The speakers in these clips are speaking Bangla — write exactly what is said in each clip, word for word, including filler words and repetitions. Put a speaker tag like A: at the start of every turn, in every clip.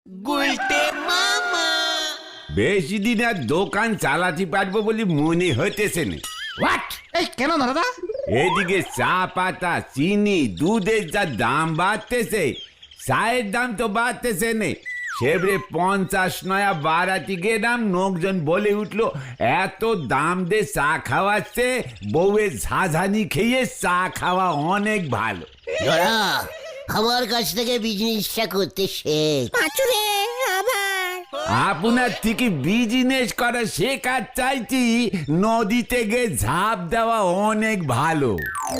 A: গুলটে মামা।
B: বেশি দিন আর দোকান চালাতে পারবো বলে মনে হইতেছে না।
C: হোয়াট? এই কেন দাদা?
B: এদিকে চা পাতা, চিনি, দুধের যা দাম বাড়তেছে, চায়ের দাম তো বাড়তেছে না। সেবরে পঞ্চাশ নয়া বাড়াতে গেলাম, লোকজন বলে উঠলো এত দাম দিয়ে চা খাওয়াচ্ছে, বউয়ের ঝাঝানি খেয়ে চা খাওয়া অনেক ভালো।
D: ধরা আমার কাছ থেকে বিজনেসটা করতে শেখ।
A: পাঁচুরে আবার
B: আপনার থেকে বিজনেস করা শেখার চাইছি, নদীতে গিয়ে ঝাঁপ দেওয়া অনেক ভালো।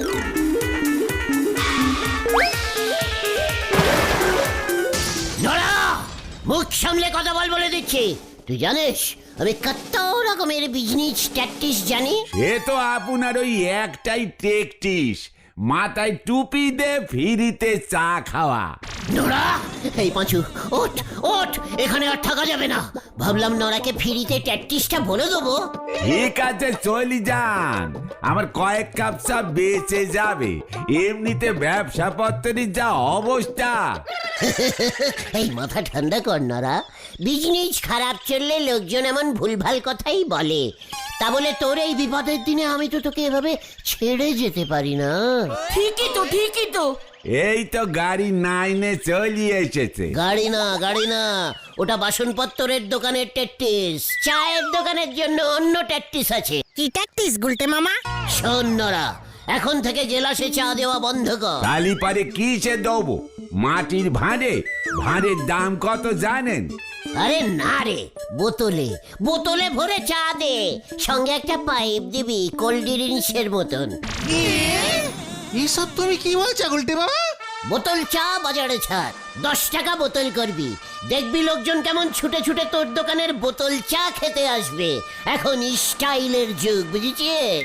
D: ধরা মুখ সামলে কথা বল বলে দিচ্ছি। তুই জানিস আমি কত রকমের বিজনেস ট্যাকটিস জানি।
B: সে তো আপনার ওই একটাই টেকটিস, মাথায় টুপি দে ফিরিতে চা খাওয়া।
D: নোরা এই পাঁচু ওঠ ওঠ, এখানে আর থাকা যাবে না। ভাবলাম নোরাকে ফিরিতে ট্যাকটিসটা বলে দেবো।
B: ঠিক আছে চলি যান, আমার কয়েক কাপ চা বেঁচে যাবে। এমনিতে ব্যবসা পত্রের যা অবস্থা।
D: এই মাথা ঠান্ডা কর নোরা, বিজনেস খারাপ চললে লোকজন এমন ভুলভাল কথাই বলে। তা বলে তোর এই বিপদের দিনে আমি তো তোকে এভাবে ছেড়ে যেতে পারি না।
A: ঠিকই তো ঠিকই তো।
B: এই তো গাড়ি নাইনে চলি এসেছে।
D: গাড়ি না গাড়ি না, ওটা বাসনপত্রের দোকানের ট্যাকটিস। চায়ের দোকানের জন্য অন্য ট্যাকটিস আছে।
A: কি ট্যাকটিস গুলটে মামা?
D: শোন নোরা, এখন থেকে জেলাসে চা দেওয়া বন্ধ কর।
B: তালি পারে কিসে দেবো? মাটির ভাঁড়ে? ভাঁড়ের দাম কত জানেন?
D: আরে না রে, বোতলে বোতলে ভরে চা দে, সঙ্গে একটা পাইপ দিবি কোল্ড ড্রিঙ্কসের মতন।
C: এসব তুমি কি বলছো গুলটে বাবা?
D: বোতল চা বাজারে ছাড়, দশ টাকা বোতল করবি। দেখবি লোকজন কেমন ছুটে ছুটে তোর দোকানের বোতল চা খেতে আসবে। এখন স্টাইলের যুগ, বুঝেছিস?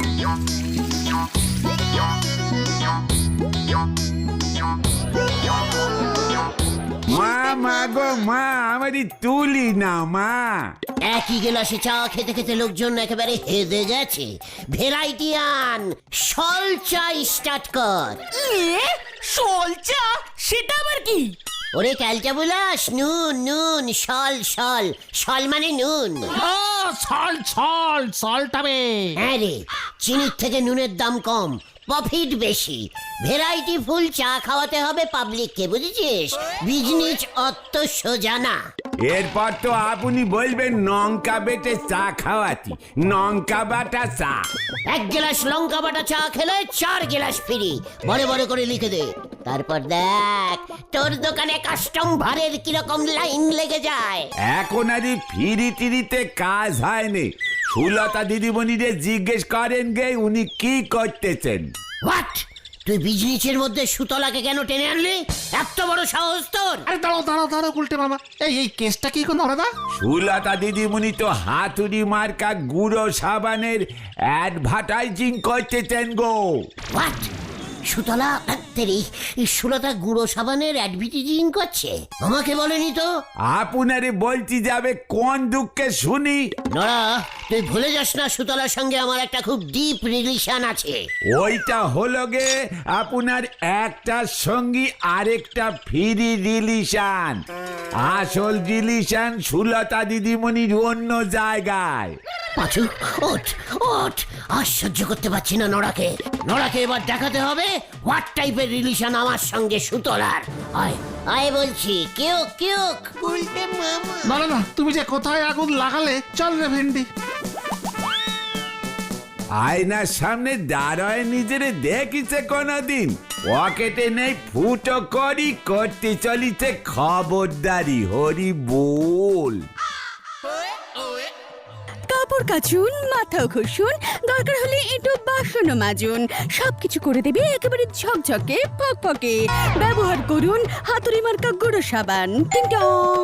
B: মা মা গো মা, আমারই তুলি না মা।
D: একই গেলাসে চা খেতে খেতে লোকজন একেবারে হেদে গেছে। ভেরাইটি আন, সল চা স্টার্ট কর।
A: সল চা? সেটা আবার কি?
D: ওরে ক্যালটা বুলাস, নুন নুন, সল সল, সল মানে নুন।
C: ও সল সল সলটাবে।
D: হ্যাঁ রে, চিনির থেকে নুনের দাম কম, প্রফিট বেশি। ভেরাইটি ফুল চা খাওয়াতে হবে পাবলিককে, বুঝেছিস? বিজনেস অত সোজা না।
B: এরপর তো আপনি বলবেন লঙ্কা বেটে চা খাওয়াতি, লঙ্কা বাটা চা।
D: এক গ্লাস লঙ্কা বাটা চা খেলে চার গ্লাস ফ্রি, বড় বড় করে লিখে দে। তারপর দেখ তোর দোকানে কাস্টম ভারের কিরকম লাইন লেগে যায়।
B: এখন আর ফিরি টিরিতে কাজ হয়নি। সুলতা দিদিমণিরে জিজ্ঞেস করেন গে উনি কি করতেছেন।
D: হোয়াট? তুই বিজনেসের মধ্যে সুতলাকে কেন টেনে আনলি? এত বড় সাহস তোর?
C: আরে দাঁড়াও দাঁড়াও দাঁড়াও গুলটে মামা, এই এই কেসটা কি কোন দাদা?
B: সুলতা দিদিমণি তো হাতুড়ি মার্কা গুঁড়ো সাবানের অ্যাডভার্টাইজিং করতেছেন গো।
D: হোয়াট? সুতলা তেরি সুলতা গুঁড়ো সাবানের অ্যাডভার্টাইজিং করছে? আমাকে বলেনি তো।
B: আপনারে বলছি যাবে কোন দুঃখে শুনি।
D: নড়া, তুই ভুলে যাস না সুতলার সঙ্গে আমার একটা খুব ডিপ রিলেশন আছে।
B: ওইটা হলো গে আপনার একটার সঙ্গী আরেকটা ফ্রি রিলেশন। আসল রিলেশন সুলতা দিদিমণির অন্য জায়গায়।
D: পাঁচু ওঠ ওঠ, আর সহ্য করতে পারছি না নড়াকে। নড়াকে এবার দেখাতে হবে হোয়াট টাইপের রিলেশন আমার সঙ্গে সুতলার। আয় আয় বলছি, কেউ কেউ।
A: গুলটে মামা।
C: না না না, তুমি যে কোথায় আগুন লাগালে, চল রে ভেন্ডি।
B: আয়নার সামনে দাঁড়ায় নিজেরে দেখিছে কোনদিন? পকেটে নেই ফুটো করি, করতে চলিছে খবরদারি, হরি বল।
E: কাপড় কাচুন, মাথাও ঘষুন, দরকার হলে একটু বাসনও মাজুন, সবকিছু করে দেবে একেবারে ঝকঝকে ফকফকে। ব্যবহার করুন হাতুড়ি মার্কা গুঁড়ো সাবান। টিং টং।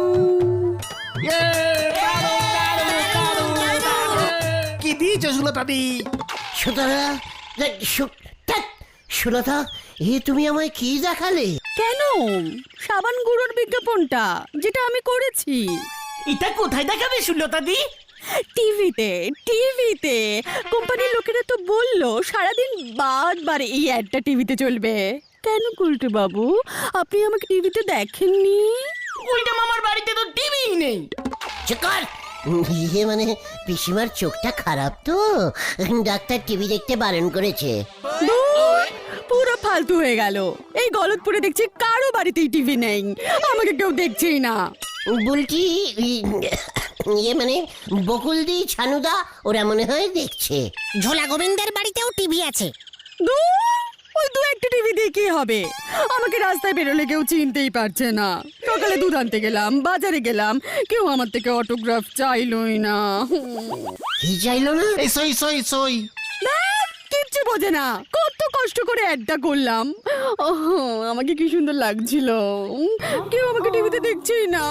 C: কি দিয়েছো সুলতা দি?
D: সুতলা সু- ধ্যাৎ, সুলতা এ তুমি আমায় কি দেখালে?
E: কেন? সাবান গুঁড়োর বিজ্ঞাপনটা যেটা আমি করেছি।
A: এটা কোথায় দেখাবে সুলতা দি?
E: টিভিতে টিভিতে কোম্পানির লোকেরা তো বললো সারাদিন বারবার এই অ্যাডটা টিভিতে চলবে। কেন গুলটে বাবু, আপনি আমাকে টিভিতে দেখেননি?
A: উল্টে মামার বাড়িতে তো টিভি নেই।
D: চিকর ইয়ে মানে পিসিমার চোখটা খারাপ তো, ডাক্তার টিভি দেখতে বারণ করেছে।
E: ধুর, পুরো ফালতু হয়ে গেল। এই গলতপুরে দেখছি কারো বাড়িতেই টিভি নেই, আমাকে কেউ দেখছেই না।
D: বুলটি ইয়ে মানে বকুলদি ছানুদা ওরা মনে হয় দেখছে।
F: ঝোলা গোবিন্দের বাড়িতেও টিভি আছে।
E: ধুর, ওই দু একটা টিভি দিয়ে কি হবে? আমাকে রাস্তায় বেরোলে কেউ চিনতেই পারছে না। সকালে দুধ আনতে গেলাম, বাজারে গেলাম, কেউ আমার থেকে অটোগ্রাফ চাইলই না।
D: কি চাইলো না?
C: এই সই সই সই
E: ধ্যাৎ, কিচ্ছু বোঝে না। কত কষ্ট করে অ্যাডটা করলাম। ওহ, আমাকে কি সুন্দর লাগছিল। কেউ আমাকে টিভিতে দেখছেই না।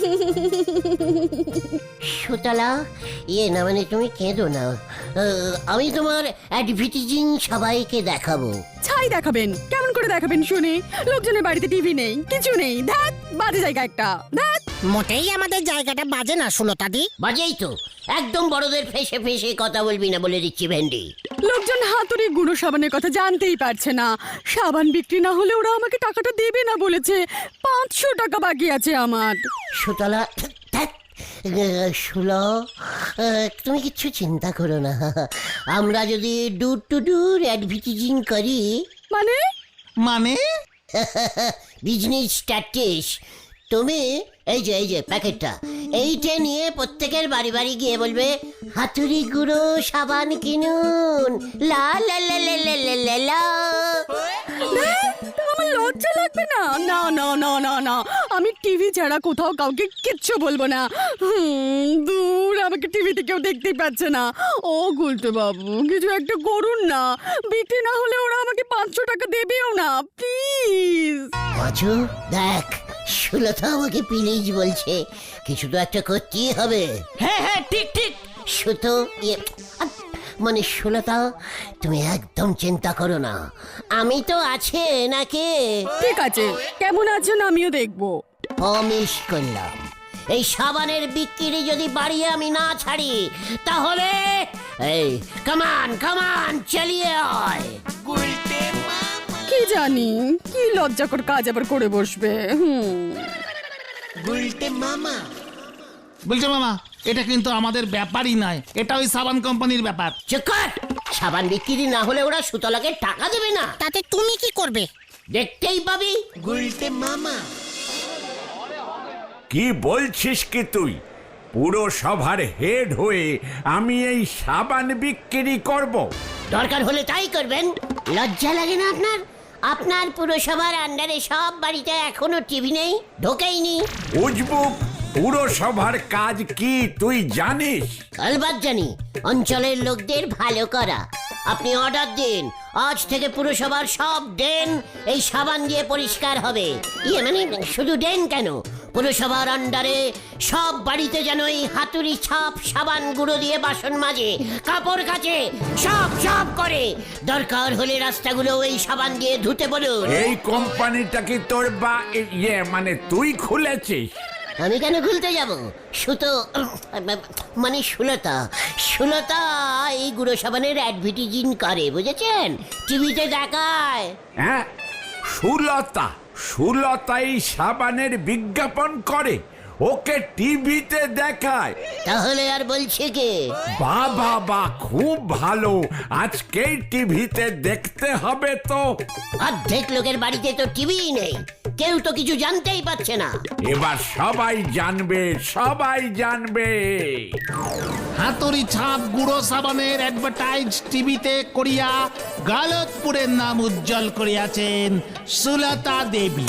D: সুতলা ইয়ে না মানে তুমি কেঁদো না, আহ, আমি তোমার অ্যাডভার্টাইজিং সবাইকে দেখাবো।
E: ছাই দেখাবেন? কেমন করে দেখাবেন শুনি? লোকজনের বাড়িতে টিভি নেই, কিছু নেই। ধ্যাৎ, বাজে জায়গা একটা। ধ্যাৎ,
F: মোটেই আমাদের জায়গাটা বাজে না সুলতাদি।
D: বাজেই তো, একদম বড়দের ফেসে ফেসে কথা বলবি না বলে দিচ্ছি ভেন্ডি।
E: লোকজন হাতুড়ি গুঁড়ো সাবানের কথা জানতেই পারছে না। সাবান বিক্রি না হলে ওরা আমাকে টাকাটা দেবে না বলেছে। পাঁচশো টাকা বাকি আছে আমার।
D: সুতলা ধ্যাৎ, আহ, সুলো, আহ, তুমি কিচ্ছু চিন্তা করো না। আমরা যদি ডুর টু ডুর অ্যাডভার্টাইজিং করি
E: মানে
C: মানে
D: বিজনেস স্ট্যাটিস, তুমি এই যে এই যে প্যাকেটটা এইটা নিয়ে প্রত্যেকের বাড়ি বাড়ি গিয়ে বলবে হাতুড়ি গুঁড়ো সাবান কিনুন, লা লা লা লা লা লা লা লা।
E: আমার লজ্জা লাগবে না? না না না না না, আমি টিভি ছাড়া কোথাও কাউকে কিচ্ছু বলবো না। হুম, দূর, আমাকে টিভিতে কেউ দেখতেই পাচ্ছে না। ও গুলতে বাবু, কিছু একটা করুন না। বিক্রি না হলে ওরা আমাকে পাঁচশো টাকা দেবেও না, প্লিজ।
D: পাঁচু দেখ, সুলতা আমাকে প্লিজ বলছে, কিছু তো একটা করতেই হবে।
A: হ্যাঁ হ্যাঁ ঠিক ঠিক।
D: সুতো ইয়ে আহ, মানে সুলতা তুমি একদম চিন্তা করো না, আমি তো আছে নাকি।
E: ঠিক আছে, কেমন আছেন আমিও দেখবো।
D: প্রমিস করলাম, এই সাবানের বিক্রি যদি বাড়িয়ে আমি না ছাড়ি তাহলে এই কামান কামান চালিয়ে আয়।
E: কি জানি কি লজ্জাকর কাজ আবার করে বসবে। হুম,
C: বলছে মামা, এটা কিন্তু আমাদের ব্যাপারই নয়, এটা ওই সাবান কোম্পানির ব্যাপার।
D: চুপ কর, সাবান বিক্রি না হলে ওরা সুতলাকে টাকা দেবে না।
F: তাতে তুমি কি করবে?
D: দেখতেই পাবি।
B: কি বলছিস কি তুই? পুরো সভার হেড হয়ে আমি এই সাবান বিক্রি করব?
D: দরকার হলে তাই করবেন। লজ্জা লাগে না আপনার? আপনার পুরসভার আন্ডারে সব বাড়িতে এখনো টিভি নেই, ঢোকেইনি।
B: উজবুক, পুরসভার কাজ কি তুই জানিস?
D: আলবাত জানি, অঞ্চলের লোকদের ভালো করা। আপনি অর্ডার দিন, আজ থেকে পুরসভার সব ড্রেন এই সাবান দিয়ে পরিষ্কার হবে। ইয়ে মানে শুধু ড্রেন কেন, পুরসভার আন্ডারে সব বাড়িতে যেন এই হাতুড়ি ছাপ সাবান গুঁড়ো দিয়ে বাসন মাজে, কাপড় কাচে, সব সব করে। দরকার হলে রাস্তাগুলো এই সাবান দিয়ে ধুতে বলুন।
B: এই কোম্পানিটা কি তোর বা ইয়ে মানে তুই খুলেছিস?
D: আমি কেন খুলতে যাব? সুতো মানে সুলতা, সুলতা এই গুঁড়ো সাবানের অ্যাডভার্টাইজিং করে, বুঝেছেন? টিভিতে দেখায়।
B: হ্যাঁ, সুলতা সুলতা এই সাবানের বিজ্ঞাপন করে, ওকে টিভিতে দেখায়।
D: তাহলে আর বলছে কে?
B: বাবা বা খুব ভালো, আজকেই টিভিতে দেখতে হবে তো।
D: অর্ধেক লোকের বাড়িতে তো টিভি নেই, কেউ তো কিছু জানতেই পারছে না।
B: এবার সবাই জানবে, সবাই জানবে।
C: হাতুড়ি ছাপ গুঁড়ো সাবানের অ্যাডভার্টাইজ টিভিতে করিয়া গলতপুরের নাম উজ্জ্বল করিয়াছেন সুলতা দেবী।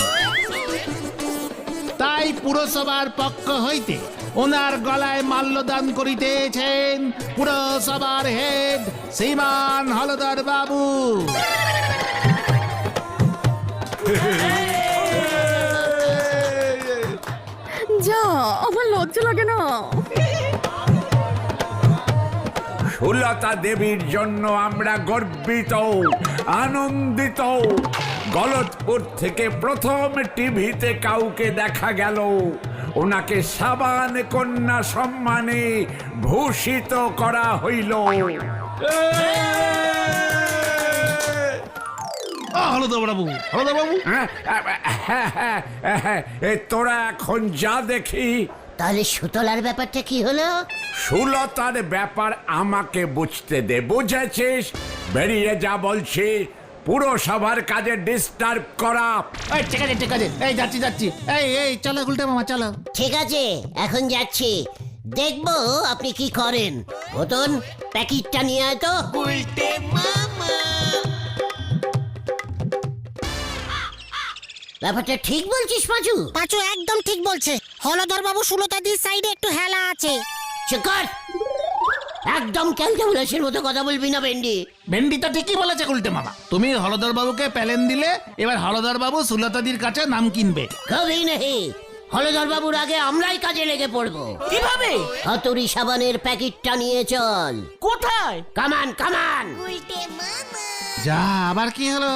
C: তাই পুরসভার পক্ষ হইতে ওনার গলায় মাল্যদান করিতেছেন পুরসভার হেড শ্রীমান হলদর বাবু।
E: যা, আমার লজ্জা লাগে না।
B: সুলতা দেবীর জন্য আমরা গর্বিত, আনন্দিত। গলতপুর থেকে প্রথম টিভিতে কাউকে দেখা গেল, ওনাকে সাবান কন্যা সম্মানে ভূষিত করা হইল।
C: ও হলদর বাবু, হলদর বাবু,
B: হ্যাঁ, হ্যাঁ, হ্যাঁ, হ্যাঁ, এ তোরা এখন যা দেখি।
D: তাহলে সুতলার ব্যাপারটা কি হলো?
B: সুলতার ব্যাপার আমাকে বুঝতে দে, বুঝেছিস? বেরিয়ে যা বলছি, পুরো সবার কাজে ডিস্টার্ব করা।
C: এই ঠিক আছে ঠিক আছে, এই যাচ্ছি যাচ্ছি, এই এই চলো গুলটে মামা চলো।
D: ঠিক আছে, এখন যাচ্ছি, দেখবো আপনি কি করেন। মতন প্যাকেটটা নিয়ে আয় তো। ব্যাপারটা ঠিক বলছিস পাঁচু?
F: পাঁচু একদম ঠিক বলছে। হলধর বাবু সুলতাদির সাইডে একটু হেলা আছে।
D: চুপ কর, একদম ক্যালকুলেশন মতো কথা বলবি না ভেন্ডি।
C: ভেন্ডি তো ঠিকই বলেছে গুলটে মামা। তুমি হলদর বাবুকে প্যালেন দিলে, এবার হলদর বাবু সুলতাদির কাছে নাম কিনবে।
D: কবেই নেই, হলধর বাবুর আগে আমরাই কাজে লেগে পড়বো।
A: কিভাবে?
D: হাতুড়ি সাবানের প্যাকেটটা নিয়ে চল।
A: কোথায়?
D: কামান কামান।
C: যা, আবার কি হলো?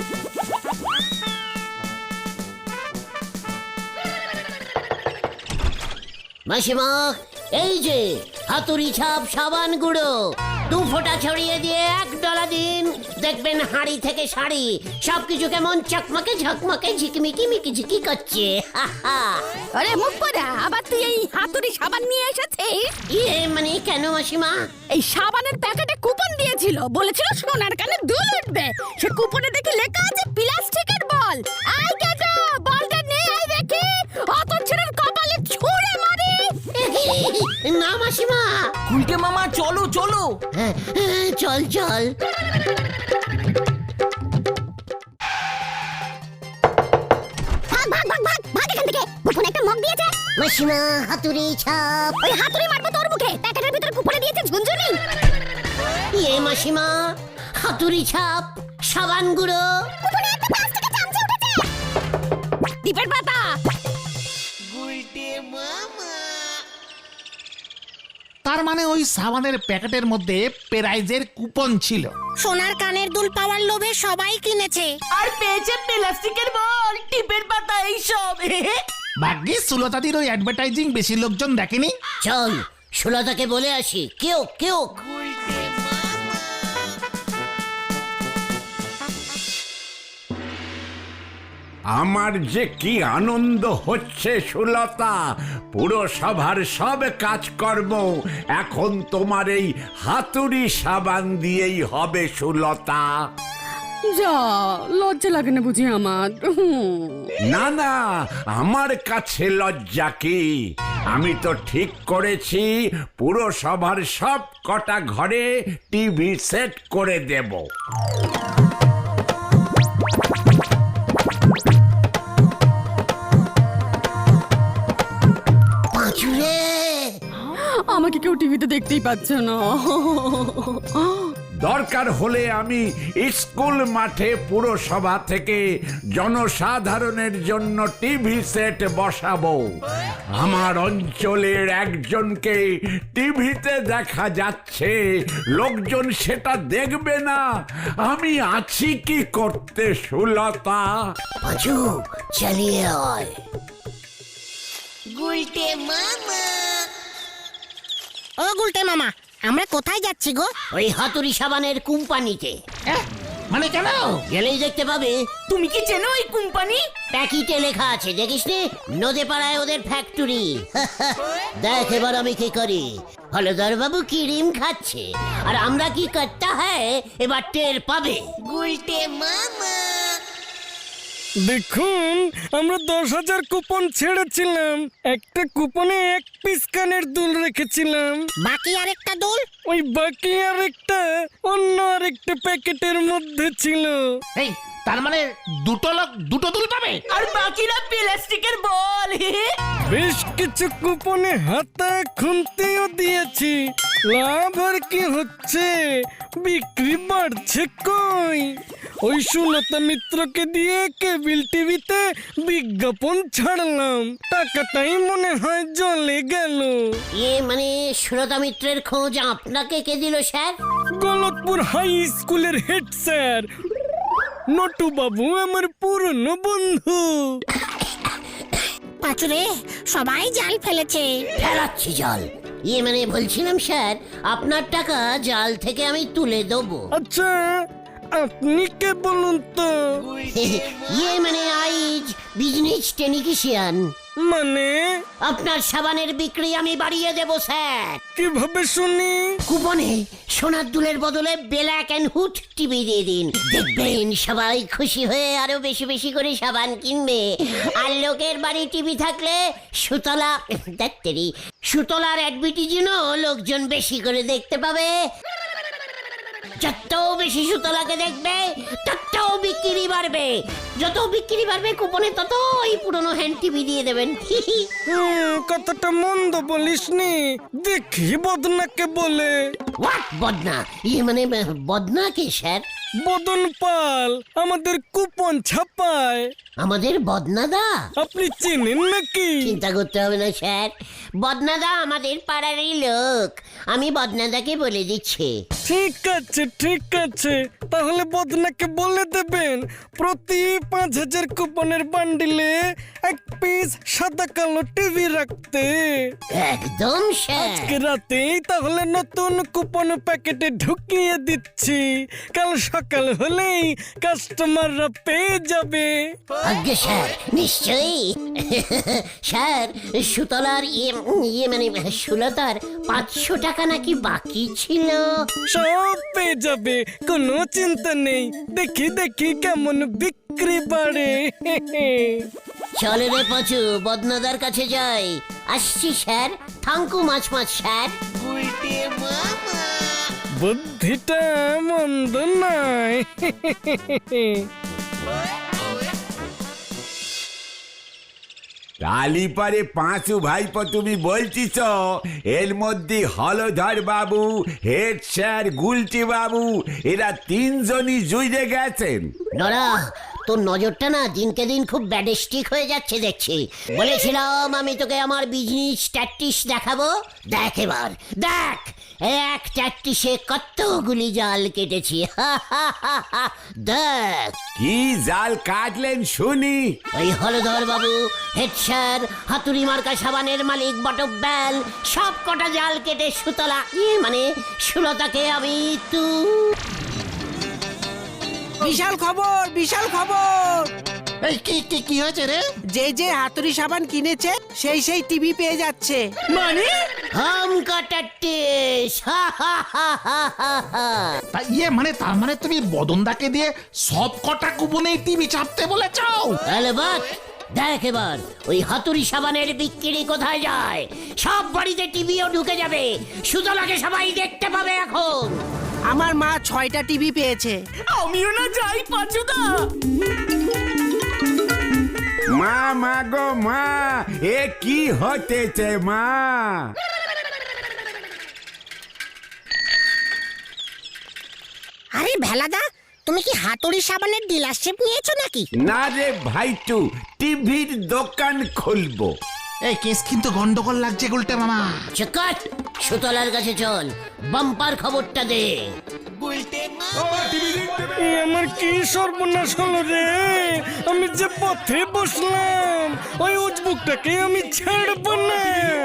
D: মাসিমা, এই যে হাতুড়ি ছাপ সাবান গুঁড়ো, দু ফোঁটা ছড়িয়ে দিয়ে এক ডলা দিন, দেখবেন হাঁড়ি থেকে শাড়ি সবকিছু কেমন চকমকে ঝকমকে ঝিকমিকি মিকিঝিকি করছে। হা হা।
E: আরে মুখ পড়া, আবার তুই এই হাতুড়ি সাবান নিয়ে এসেছিস?
D: ইয়ে মানে কেন মাসিমা?
E: এই সাবানের প্যাকেটে কুপন দিয়েছিল, বলেছিল সোনার কানে দুল উঠবে। সে কুপনে দেখি লেখা আছে প্লাস্টিকের বল। আই কেটো, বলটা নিয়ে আই দেখি, অত ছেলের কপালে ছুঁড়ে মারি।
D: না মাসিমা।
A: গুলটে মামা চলো চলো।
D: হ্যাঁ, হ্যাঁ, চল চল।
E: ভাগ ভাগ ভাগ ভাগ ভাগ এখান থেকে। কুপনে একটা মগ দিয়েছে।
D: মাসিমা, হাতুড়ি ছাপ।
E: ওই হাতুড়ি মারবো তোর মুখে। প্যাকেটের ভিতরে কুপনে দিয়েছে ঝুনঝুনি।
D: ইয়ে মাসিমা, হাতুড়ি ছাপ সাবান গুঁড়ো।
E: কুপনে একটা প্লাস্টিকের চামচে উঠেছে। দীপের পাতা।
C: তার মানে ওই সাবানের প্যাকেটের মধ্যে প্রাইজের কুপন ছিল।
F: সোনার কানের দুল পাওয়ার লোভে সবাই কিনেছে।
A: আর পেয়েছে প্লাস্টিকের বল, টিপের পাতা, এইসব।
C: ভাগ্যিস সুলতাদির ওই অ্যাডভার্টাইজিং বেশি লোকজন দেখেনি।
D: চল সুলতাকে বলে আসি। কেউ কেউ
B: আমার যে কি আনন্দ হচ্ছে সুলতা, পুরো সভার সব কাজকর্ম এখন তোমার এই হাতুড়ি সাবান দিয়েই হবে সুলতা।
E: যা, লজ্জা লাগে না বুঝি আমার?
B: না না, আমার কাছে লজ্জা কি? আমি তো ঠিক করেছি, পুরো সভার সব কটা ঘরে টিভি সেট করে দেব।
D: পাঁচুরে,
E: আমাকে কেউ টিভিতে দেখতেই পাচ্ছে না।
B: দরকার হলে আমি স্কুল মাঠে পুরসভা থেকে জনসাধারণের জন্য টিভি সেট বসাবো। আমার অঞ্চলের একজনকে টিভিতে দেখা যাচ্ছে, লোকজন সেটা দেখবে না। আমি আছি কি করতে সুলতা?
D: পাঁচু চালিয়ে আয়।
F: ও গুলটে মামা, আমরা কোথায় যাচ্ছি গো?
D: ওই হাতুড়ি সাবানের কোম্পানিতে।
C: এহ, মানে কেন?
D: গেলেই দেখতে পাবে।
A: তুমি কি চেনো এই কোম্পানি?
D: প্যাকিটে লেখা আছে, দেখিস নি? নদে পাড়ায় ওদের ফ্যাক্টরি। দেখ এবার আমি কি করি। হলধর বাবু কি ডিম খাচ্ছে, আর আমরা কি করতে হয় এবার টের পাবে।
G: দেখুন, আমরা দশ হাজার কুপন ছেড়েছিলাম, একটা কুপনে এক পিস কানের দুল রেখেছিলাম।
F: বাকি আরেকটা দুল?
G: ওই বাকি আর একটা অন্য আরেকটা প্যাকেটের মধ্যে ছিল।
C: এই, তার মানে দুটো লোক দুটো দুল পাবে?
A: আর বাকিরা প্লাস্টিকের বল।
G: বেশ কিছু কুপনে হাতা খুন্তিও দিয়েছি। লাভ আর কি হচ্ছে, বিক্রি বাড়ছে কই। ওই সুলতা মিত্রকে দিয়ে কেবিল টিভিতে বিজ্ঞাপন ছাড়লাম, টাকাটাই মনে হয় জলে গেল।
D: ইয়ে মানে সুলতা মিত্রের খোঁজ আপনাকে কে দিল স্যার?
G: গলতপুর হাই স্কুলের হেড স্যার নটু বাবু, আমার পুরনো বন্ধু।
F: পাঁচুরে, সবাই জাল ফেলেছে।
D: ফেলাচ্ছি জল। ইয়ে মানে বলছিলাম স্যার, আপনার টাকা জাল থেকে আমি তুলে দেবো।
G: আচ্ছা, আপনি কে বলুন তো?
D: ইয়ে মানে আইজ বিজনেস টেকনিশিয়ান।
G: মানে
D: আপনার সাবানের বিক্রি আমি বাড়িয়ে দেব স্যার।
G: কিভাবে শুনি?
D: কুপনে সোনার দুলের বদলে ব্ল্যাক অ্যান্ড হুড টিভি দিয়ে দিন, দেখবেন সবাই খুশি হয়ে আরো বেশি বেশি করে সাবান কিনবে। আর লোকের বাড়ি টিভি থাকলে সুতলা দেখতেরি সুতলার অ্যাডভার্টাইজও লোকজন বেশি করে দেখতে পাবে। যত বেশি সুতলাকে দেখবে তত বিক্রি বাড়বে, যত বিক্রি বাড়বে কুপনে তত ওই পুরনো হ্যান্ড টিভি দিয়ে দেবেন।
G: হুম, কথাটা মন্দ বলিসনি। দেখি বদনাকে বলে।
D: হোয়াট বদনা? ইয়ে মানে বদনা কে স্যার?
G: বদন পাল আমাদের কুপন ছাপায়।
D: আমাদের বদনাদা?
G: আপনি চেনেন নাকি?
D: চিন্তা করতে হবে না স্যার, বদনাদা আমাদের পাড়ারই লোক। আমি বদনাদাকে বলে দিচ্ছি।
G: ঠিক আছে ঠিক আছে, তাহলে বদনাকে বলে দেবেন প্রতি পাঁচ হাজার কুপনের বান্ডিলে এক পিস সাদা কালো টিভি রাখতে।
D: একদম স্যার।
G: আজকে রাতেই তাহলে নতুন কুপন প্যাকেটে ঢুকিয়ে দিচ্ছি, কাল সকাল হলেই কাস্টমাররা পেয়ে যাবে।
D: আজ্ঞে স্যার, নিশ্চয়ই। স্যার, সুতলার ইয়ে ইয়ে মানে সুলতার পাঁচশো টাকা নাকি বাকি ছিল।
G: সব পেয়ে যাবে, কোনো চিন্তা নেই। দেখি দেখি কেমন বিক্রি বাড়ে।
D: চলে রে পাঁচু, বদনাদার কাছে যাই। আসছি sir, thank you much much sir.
G: বুদ্ধিটা মন্দ নয়।
B: কালীপারে পাঁচু ভাইপো তুমি বলছিস এর মধ্যে হলধর বাবু, হেড স্যার, গুলটি বাবু এরা তিনজনই জুইরে গেছেন।
D: নরা, তোর নজরটা না দিনকে দিন খুব ব্যাডিস্টিক হয়ে যাচ্ছে দেখছি। বলেছিলাম আমি তোকে আমার বিজনেস ট্যাকটিস দেখাবো, দেখ এবার দেখ এক ট্যাকটিসে কতগুলি জাল কেটেছি। দেখ
B: কি জাল কাটলেন শুনি।
D: ওই হলধর বাবু, হেড স্যার, হাতুড়ি মার্কা সাবানের মালিক বটক ব্যাল সব কটা জাল কেটে সুতলা ইয়ে মানে সুলতাকে আমি তু
H: বিশাল খবর, বিশাল খবর।
C: এই কি কি কি হয়েছে রে?
H: যে যে হাতুড়ি সাবান কিনেছে সেই সেই টিভি পেয়ে যাচ্ছে।
A: মানে
D: হাম কাটাটিস।
C: তা ইয়ে মানে তার মানে তুমি বদনদাকে দিয়ে সব কটা কুপনে টিভি চাপতে বলেছো?
D: আলবাত, দেখ এবার ওই হাতুড়ি সাবানের বিক্রি কোথায় যায়। সব বাড়িতে টিভিও ঢুকে যাবে, সুতলাকে সবাই দেখতে পাবে এখন।
H: আমার মা ছয়টা টিভি পেয়েছে।
A: আমিও না যাই পাঁচুদা।
B: মা মা গো মা, এ কি হতেছে মা?
F: আরে ভেলাদা, তুমি কি হাতুড়ি সাবানের ডিলারশিপ নিয়েছো নাকি?
B: না রে ভাইটু, টিভির দোকান খুলবো।
C: এই কেস কিন্তু গন্ডগোল লাগছে গুলটে মামা।
D: চকাট, সুতলার কাছে চল, বাম্পার খবরটা দে।
G: এ আমার কি সর্বনাশ হলো রে! আমি যে পথে বসলাম, ওই উজবুকটাকে আমি ছাড়বো না।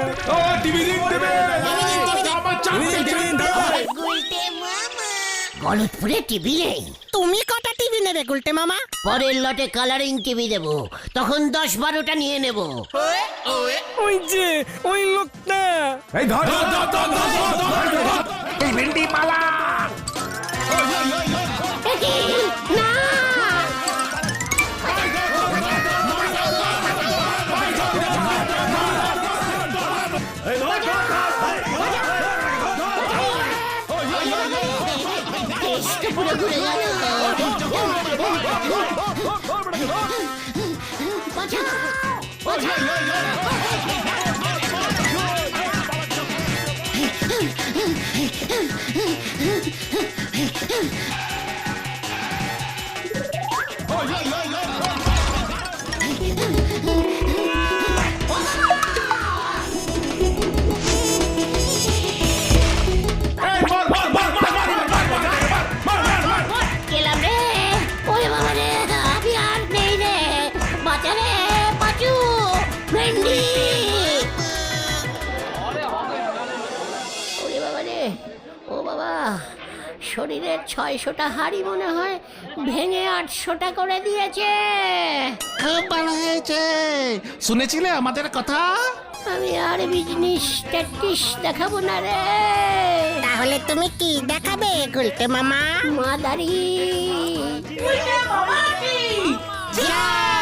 D: গলতপুরে টিভি নেই।
F: তুমি কটা টিভি নেবে গুলটে মামা?
D: পরের লটে কালারিং টিভি দেব, তখন দশ বারোটা নিয়ে নেব।
G: ওই যে ওই লোকটা।
B: এই ধর ধর ধর ধর ধর ধর ধর ধর।
C: এই ভেন্ডি পালা।
D: না, দেশটা পুরো ঘুরে গেল। বাঁচাও, বাঁচাও। গেলাম রে, ওরে বাবা রে, আমি আর নেই রে। বাঁচা রে পাঁচু, ভেন্ডি। ওরে বাবা রে, ও বাবা। শরীরের ছয়শোটা হাড়ি মনে হয় ভেঙে আটশোটা করে দিয়েছে।
C: খুব ভালো হয়েছে। শুনেছিলে আমাদের কথা?
D: আমি আর বিজনেস ট্যাকটিস দেখাবো না রে।
F: তাহলে তুমি কি দেখাবে গুলটে মামা?
D: মাদারি
A: উল্টে মামা কি?
F: জয়!